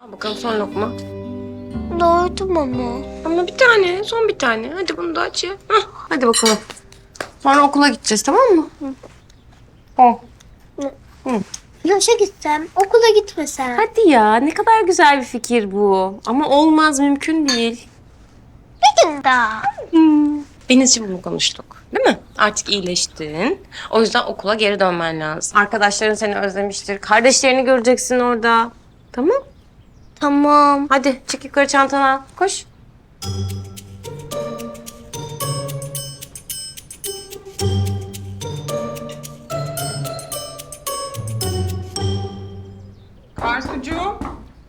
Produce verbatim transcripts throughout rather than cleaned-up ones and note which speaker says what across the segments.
Speaker 1: Al bakalım son lokma.
Speaker 2: Doydum ama.
Speaker 1: Ama bir tane, son bir tane. Hadi bunu da aç ya. Hah, hadi bakalım. Sonra okula gideceğiz, tamam mı? Hı. Hı. Hı.
Speaker 2: Yaşa gitsem, okula gitmesem.
Speaker 1: Hadi ya, ne kadar güzel bir fikir bu. Ama olmaz, mümkün değil.
Speaker 2: Bir gün daha.
Speaker 1: Hmm. Denizciğim bunu konuştuk, değil mi? Artık iyileştin. O yüzden okula geri dönmen lazım. Arkadaşların seni özlemiştir. Kardeşlerini göreceksin orada. Tamam.
Speaker 2: Tamam.
Speaker 1: Hadi çık yukarı, çantanı al. Koş.
Speaker 3: Arzucuğum.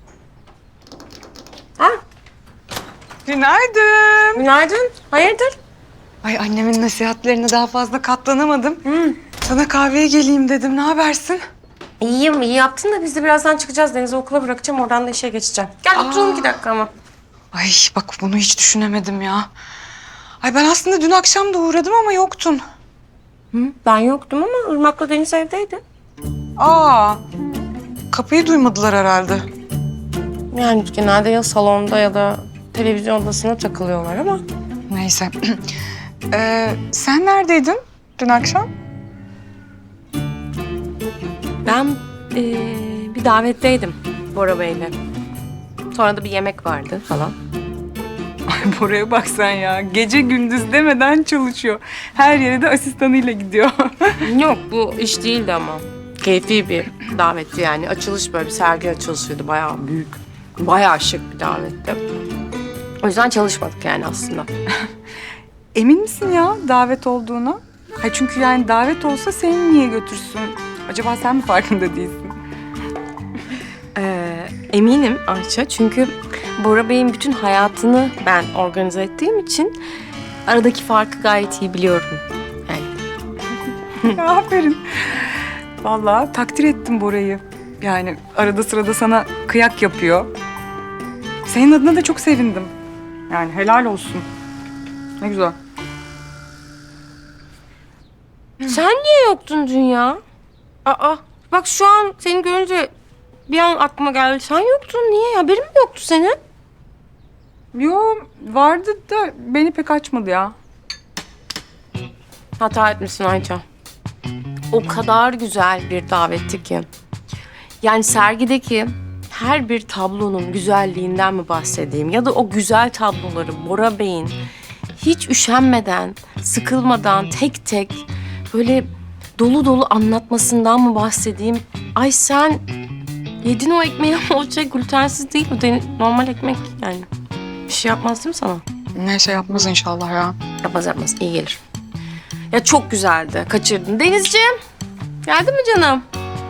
Speaker 1: Ha,
Speaker 3: Günaydın.
Speaker 1: günaydın. Hayırdır?
Speaker 3: Ay annemin nasihatlerine daha fazla katlanamadım.
Speaker 1: Hı.
Speaker 3: Sana kahveye geleyim dedim. Ne habersin?
Speaker 1: İyiyim, iyi yaptın da biz de birazdan çıkacağız. Deniz'i okula bırakacağım, oradan da işe geçeceğim. Gel oturalım iki dakika ama.
Speaker 3: Ay bak bunu hiç düşünemedim ya. Ay ben aslında dün akşam da uğradım ama yoktun.
Speaker 1: Hı, ben yoktum ama Irmak'la Deniz evdeydi.
Speaker 3: Aa. Kapıyı duymadılar herhalde.
Speaker 1: Yani genelde ya salonda ya da televizyon odasına takılıyorlar ama.
Speaker 3: Neyse. ee, sen neredeydin dün akşam?
Speaker 1: Ben eee, bir davetteydim Bora Bey'le. Sonra da bir yemek vardı falan.
Speaker 3: Ay Bora'ya bak sen ya. Gece gündüz demeden çalışıyor. Her yere de asistanıyla gidiyor.
Speaker 1: Yok, bu iş değildi ama. Keyfi bir davetti yani. Açılış, böyle bir sergi açılışıydı. Bayağı büyük. Bayağı şık bir davetti. O yüzden çalışmadık yani aslında.
Speaker 3: Emin misin ya davet olduğuna? Ha çünkü yani davet olsa seni niye götürsün? Acaba sen mi farkında değilsin?
Speaker 1: Ee, eminim Ayça, çünkü Bora Bey'in bütün hayatını ben organize ettiğim için aradaki farkı gayet iyi biliyorum. Yani
Speaker 3: Aferin. Vallahi takdir ettim Bora'yı. Yani arada sırada sana kıyak yapıyor. Senin adına da çok sevindim. Yani helal olsun. Ne güzel.
Speaker 1: sen niye yoktun dün ya? Aa, bak şu an seni görünce bir an aklıma geldi. Sen yoktun, niye? Haberin mi yoktu senin?
Speaker 3: Yo vardı da beni pek açmadı ya.
Speaker 1: Hata etmişsin Ayça. O kadar güzel bir davetti ki. Yani sergideki her bir tablonun güzelliğinden mi bahsedeyim? Ya da o güzel tabloları Bora Bey'in hiç üşenmeden, sıkılmadan tek tek böyle dolu dolu anlatmasından mı bahsedeyim? Ay sen yedin o ekmeği ama o şey glutensiz değil. O de- normal ekmek yani. Bir şey yapmaz değil mi sana?
Speaker 3: Ne şey yapmaz inşallah ya.
Speaker 1: Yapmaz yapmaz, iyi gelir. Ya çok güzeldi, kaçırdın. Denizciğim, geldin mi canım?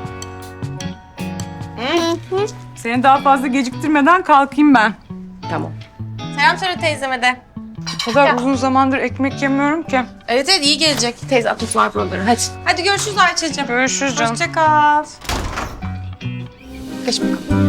Speaker 3: Seni daha fazla geciktirmeden kalkayım ben.
Speaker 1: Tamam. Selam söyle teyzeme de.
Speaker 3: O kadar uzun zamandır ekmek yemiyorum ki.
Speaker 1: Evet evet, iyi gelecek. Teyze at var buraları, hadi. Hadi görüşürüz Ayça'cığım.
Speaker 3: Görüşürüz canım.
Speaker 1: Hoşça kal. Geç bakalım.